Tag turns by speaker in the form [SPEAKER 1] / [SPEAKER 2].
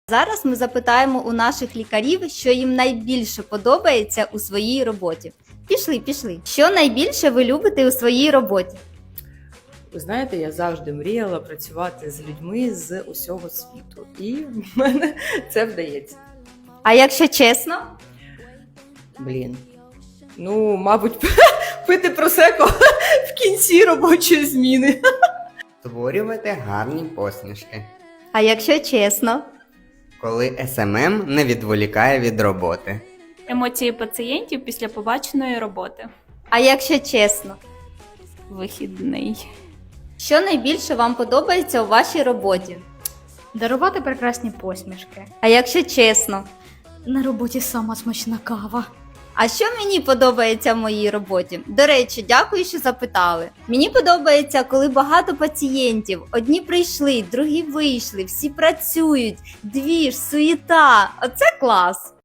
[SPEAKER 1] Зараз ми запитаємо у наших лікарів, що їм найбільше подобається у своїй роботі. Пішли. Що найбільше ви любите у своїй роботі?
[SPEAKER 2] Ви знаєте, я завжди мріяла працювати з людьми з усього світу. І в мене це вдається.
[SPEAKER 1] А якщо чесно?
[SPEAKER 2] Мабуть, пити просеко в кінці робочої зміни.
[SPEAKER 3] Створювати гарні посмішки,
[SPEAKER 1] А якщо чесно?
[SPEAKER 3] коли СММ не відволікає від роботи.
[SPEAKER 4] Емоції пацієнтів після побаченої роботи.
[SPEAKER 1] А якщо чесно?
[SPEAKER 4] Вихідний.
[SPEAKER 1] Що найбільше вам подобається у вашій роботі?
[SPEAKER 5] Дарувати прекрасні посмішки.
[SPEAKER 1] А якщо чесно?
[SPEAKER 5] На роботі сама смачна кава.
[SPEAKER 1] А що мені подобається в моїй роботі? До речі, дякую, що запитали. Мені подобається, коли багато пацієнтів. Одні прийшли, другі вийшли, всі працюють, двіж, суєта. Оце клас!